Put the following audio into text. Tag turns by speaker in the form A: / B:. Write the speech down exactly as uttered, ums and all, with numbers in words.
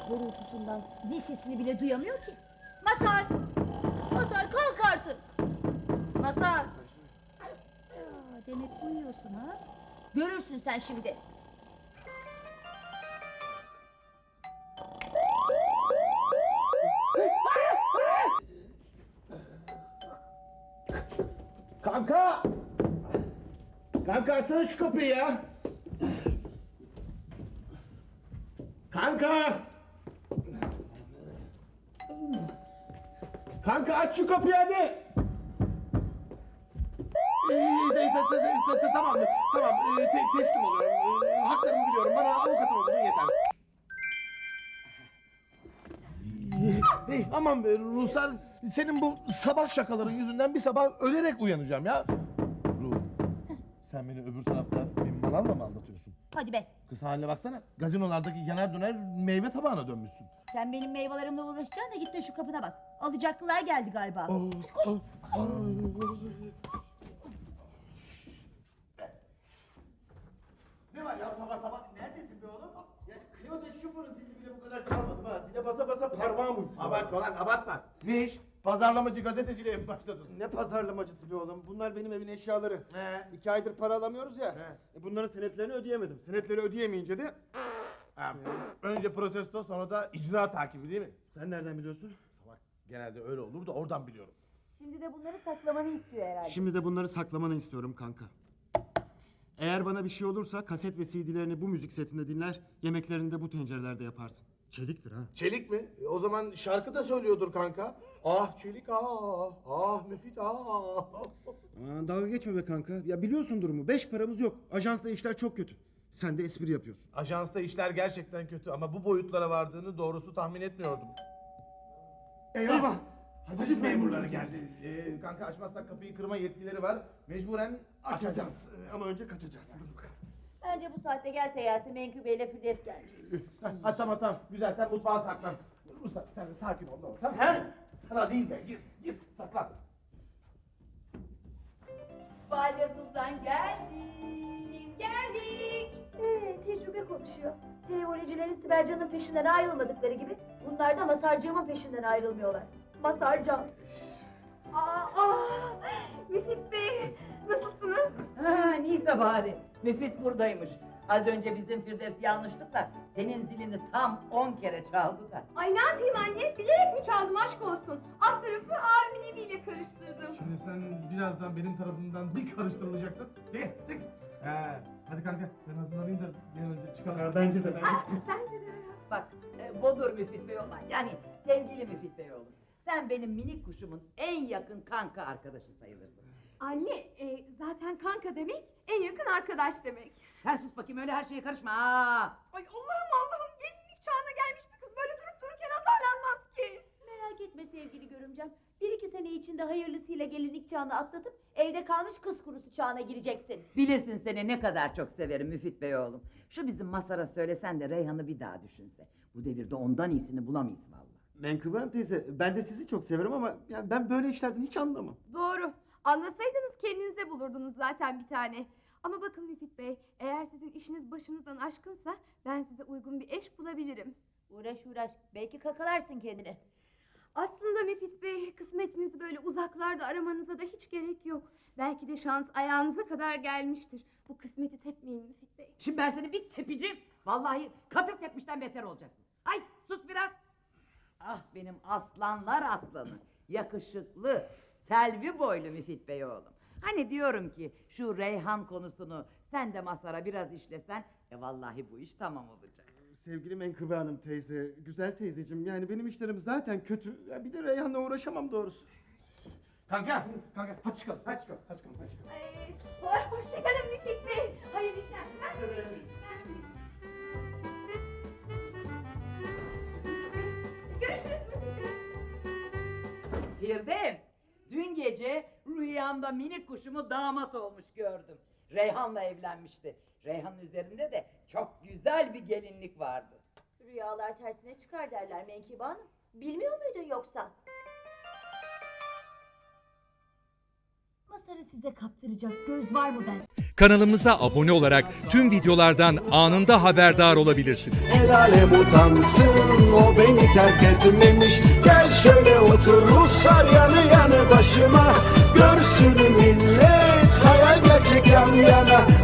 A: horultusundan zil sesini bile duyamıyor ki. Mazhar! Mazhar kalk artık! Mazhar! Ya, demek uyuyorsun ha? Görürsün sen şimdi.
B: Kanka! Kanka açsana şu kapıyı ya! Kanka! Kanka aç şu kapıyı hadi!
C: Ee, de- de- de- de- de- tamam, tamam. Ee, te- teslim oluyorum. Ee, haklarımı biliyorum. Bana avukatım olun yeter. Hey, aman be Ruhsar, senin bu sabah şakaların yüzünden bir sabah ölerek uyanacağım ya. Ruh, sen beni öbür tarafta benim manavla mı aldatıyorsun?
A: Hadi be!
C: Kız haline baksana, gazinolardaki yanar döner meyve tabağına dönmüşsün.
A: Sen benim meyvelerimle uğraşacaksın da git de şu kapına bak. Alacaklılar geldi galiba.
C: Oh, oh, oh.
B: Ne var ya sabah sabah? Neredesin be oğlum? Ya Clio'da şoförün zili bile bu kadar çalmadım ha. Zile basa basa parmağım uçtu.
C: Abartma lan, abartma.
B: Ne iş? Pazarlamacı gazeteciliğe mi başladın?
C: Ne pazarlamacısı be oğlum? Bunlar benim evin eşyaları.
B: He.
C: İki aydır para alamıyoruz ya.
B: He.
C: E bunların senetlerini ödeyemedim. Senetleri ödeyemeyince de...
B: Ha, önce protesto sonra da icra takibi değil mi?
C: Sen nereden biliyorsun?
B: Salak. Genelde öyle olur da oradan biliyorum.
A: Şimdi de bunları saklamanı istiyor herhalde.
C: Şimdi de bunları saklamanı istiyorum kanka. Eğer bana bir şey olursa kaset ve C D'lerini bu müzik setinde dinler, yemeklerini de bu tencerelerde yaparsın. Çeliktir ha.
B: Çelik mi? E, o zaman şarkı da söylüyordur kanka. Ah çelik ah, ah müfit ah.
C: Aman dalga geçme be kanka. Ya biliyorsun durumu. Beş paramız yok. Ajansta işler çok kötü. Sen de espri yapıyorsun.
B: Ajansta işler gerçekten kötü ama bu boyutlara vardığını doğrusu tahmin etmiyordum. Eyvah! Haciz memurları geldi. Ee, kanka açmazsak kapıyı kırma yetkileri var. Mecburen açacağız.
C: Ee, Ama önce kaçacağız.
A: Bence bu saatte gelse gelse Menkıbe ile Firdevs gelmiştir.
B: Ha tamam tamam. Güzel sen mutfağa saklan. Ruslan sen de sakin ol. Tamam. Tamam. He? Sana değil be. Gir gir saklan.
D: Valide Sultan geldi.
A: Biz geldik. Ee, tecrübe konuşuyor. Televolecilerin Sibelcan'ın peşinden ayrılmadıkları gibi bunlar da Masarcığımın peşinden ayrılmıyorlar. Masarcan.
D: Aa, aa, Müfit Bey, nasılsınız? Ha, neyse bari. Müfit buradaymış. Az önce bizim Firdevs yanlışlıkla senin zilini tam on kere çaldı da.
E: Ay ne yapayım anne? Bilerek mi çaldım aşk olsun? Alt tarafı abimin eviyle karıştırdım.
B: Şimdi sen birazdan benim tarafımdan bir karıştırılacaksın. Çık çık. He. Hadi kanka ben hazırlanayım da bir an önce çıkalım.
C: Bence de bence.
E: Bence de evet.
D: Bak, e, budur Müfit Bey olan. Yani sevgili Müfit Bey oğlum. Sen benim minik kuşumun en yakın kanka arkadaşı sayılırsın.
E: Anne e, zaten kanka demek en yakın arkadaş demek.
D: Sen sus bakayım öyle her şeye karışma. Aa.
E: Ay Allah'ım Allah'ım gelinlik çağına gelmiş bir kız böyle durup dururken azarlanmaz ki.
A: Merak etme sevgili görümcem. Bir iki sene içinde hayırlısıyla gelinlik çağını atlatıp evde kalmış kız kurusu çağına gireceksin.
D: Bilirsin seni ne kadar çok severim Müfit Bey oğlum. Şu bizim Masar'a söylesen de Reyhan'ı bir daha düşünse. Bu devirde ondan iyisini bulamayız vallahi.
C: Menkıbe Hanım teyze, ben de sizi çok severim ama yani ben böyle işlerden hiç anlamam.
E: Doğru. Anlasaydınız kendinize bulurdunuz zaten bir tane. Ama bakın Müfit Bey, eğer sizin işiniz başınızdan aşkınsa ben size uygun bir eş bulabilirim.
A: Uğraş uğraş. Belki kakalarsın kendini.
E: Aslında Müfit Bey, kısmetinizi böyle uzaklarda aramanıza da hiç gerek yok. Belki de şans ayağınıza kadar gelmiştir. Bu kısmeti tepmeyin Müfit Bey.
D: Şimdi ben seni bir tepeceğim. Vallahi katır tepmişten beter olacaksın. Ay sus biraz. Ah benim aslanlar aslanı. Yakışıklı, selvi boylu Müfit Bey oğlum. Hani diyorum ki şu Reyhan konusunu sen de Masar'a biraz işlesen... ...e vallahi bu iş tamam olacak.
C: Sevgili Menkıbe Hanım teyze, güzel teyzeciğim, yani benim işlerim zaten kötü. Ya bir de Reyhan'la uğraşamam doğrusu.
B: Kanka kanka hadi çıkalım hadi çıkalım hadi çıkalım. Hadi çıkalım.
E: Ay, hoşçakalın Müfit Bey. Hayırlı işler. Ben de geçeyim, ben de geçeyim. Görüşürüz Müfit Bey.
D: Firdevs, dün gece rüyamda minik kuşumu damat olmuş gördüm. Reyhan'la evlenmişti. Reyhan'ın üzerinde de çok güzel bir gelinlik vardı.
A: Rüyalar tersine çıkar derler Menkıbe Hanım. Bilmiyor muydun yoksa? Masarı size kaptıracak göz var mı ben?
F: Kanalımıza abone olarak tüm videolardan anında haberdar olabilirsiniz.
G: El alem utansın, o beni terk etmemiş. Gel şöyle otur Ruslar yanı yanı başıma. Görsün millet, hayal gerçek yan yana.